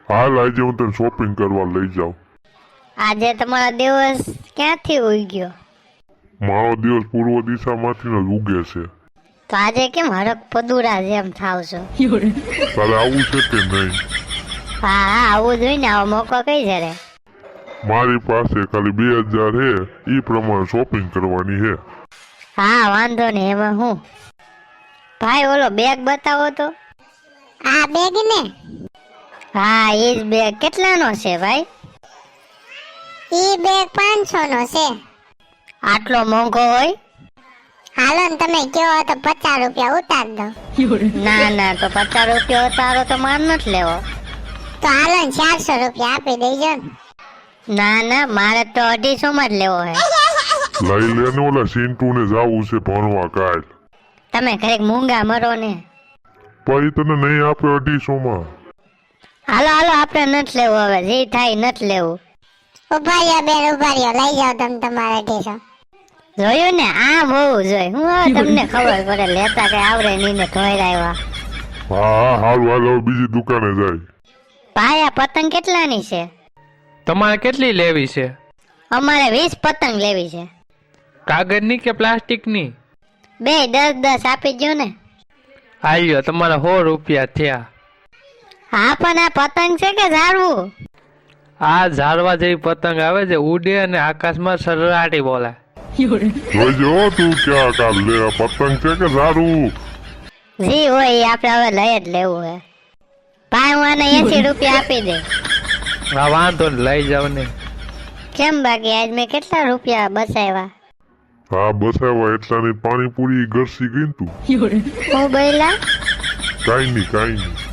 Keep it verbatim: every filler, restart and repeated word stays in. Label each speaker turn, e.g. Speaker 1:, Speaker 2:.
Speaker 1: હાલ આજે હું તને શોપિંગ કરવા લઈ જાઉં.
Speaker 2: આજે તમારો દિવસ ક્યાંથી ઉઈ ગયો?
Speaker 1: મારો દિવસ પૂર્વ દિશામાંથી જ ઉગે છે.
Speaker 2: તો આજે કેમ હરક પદુરા જેમ થાવ છો?
Speaker 1: તારે આવું છે કે નહીં?
Speaker 2: હા હા આવું જોઈએ ને, આવો મોકો કઈ જરે?
Speaker 1: મારી પાસે ખાલી બે હજાર હે, એ પ્રમાણે શોપિંગ કરવાની હે.
Speaker 2: હા વાંધો નહીં, એમાં હું. ભાઈ ઓલો બેગ બતાવો તો.
Speaker 3: આ બેગ ને?
Speaker 2: હા એ જ બેગ. કેટલાનો છે ભાઈ?
Speaker 3: ઈ બેગ પાંચસો નો છે.
Speaker 2: આટલો મોંઘો હોય?
Speaker 3: હાલો ને તમે કયો તો પચાસ રૂપિયા ઉતાર દો.
Speaker 2: ના ના, તો પચાસ રૂપિયા ઉતારો તો માર નથી લેવો.
Speaker 3: તો હાલો ને ચારસો રૂપિયા આપી દેજો ને.
Speaker 2: ના ના, મારે તો અઢીસો માં જ લેવો હે.
Speaker 1: લઈ લે ને, ઓલા સિન્ટુ ને જાવું છે ભણવા કાલ.
Speaker 2: તમે ઘરેક મૂંગા મરો ને.
Speaker 1: પછી તને નહીં આપે અઢીસો માં.
Speaker 2: હાલો હાલો, આપણે નથી લેવું હવે, જે થાય નથી લેવું.
Speaker 3: ઉભા રહ્યો બેન, ઉભા રહ્યો, લઈ જાઓ તમે તમારા અઢીસો.
Speaker 2: જોયું ને, આમ હોવું જોઈએ. હું હવે તમને ખબર પડે, લેતા કઈ આવડે નહીં ને ધોઈ આવ્યા.
Speaker 1: હા હા હારું હાલ, હવે બીજી દુકાને જાય.
Speaker 2: ભાઈ આ પતંગ કેટલાની છે?
Speaker 4: તમારે કેટલી લેવી છે?
Speaker 2: અમારે વીસ પતંગ લેવી છે.
Speaker 4: કાગળની કે પ્લાસ્ટિકની?
Speaker 2: બે દસ દસ આપી દો ને.
Speaker 4: આલ્યો તમારા સો રૂપિયા થયા.
Speaker 2: હા પણ આ પતંગ છે કે ઝાડવું?
Speaker 4: આ ઝાડવા જેવી પતંગ આવે છે, ઉડે અને આકાશમાં સરરાટી બોલે.
Speaker 1: જોઈજો તું ક્યાં કાલ લે, આ પતંગ છે કે ઝાડું?
Speaker 2: જી હોય એ આપણે હવે લઈ જ લેવું હે. ભાઈ હું આને એસી રૂપિયા આપી દે.
Speaker 4: હા વાંધો ને, લઈ જાવ ને.
Speaker 2: કેમ બાકી આજ મેં કેટલા રૂપિયા બચાવ્યા?
Speaker 1: હા બસાવા એટલાની પાણીપુરી ઘરસી ગઈ ને તું.
Speaker 2: હું બોલ્યા?
Speaker 1: કાઈ નહીં કાઈ નહીં.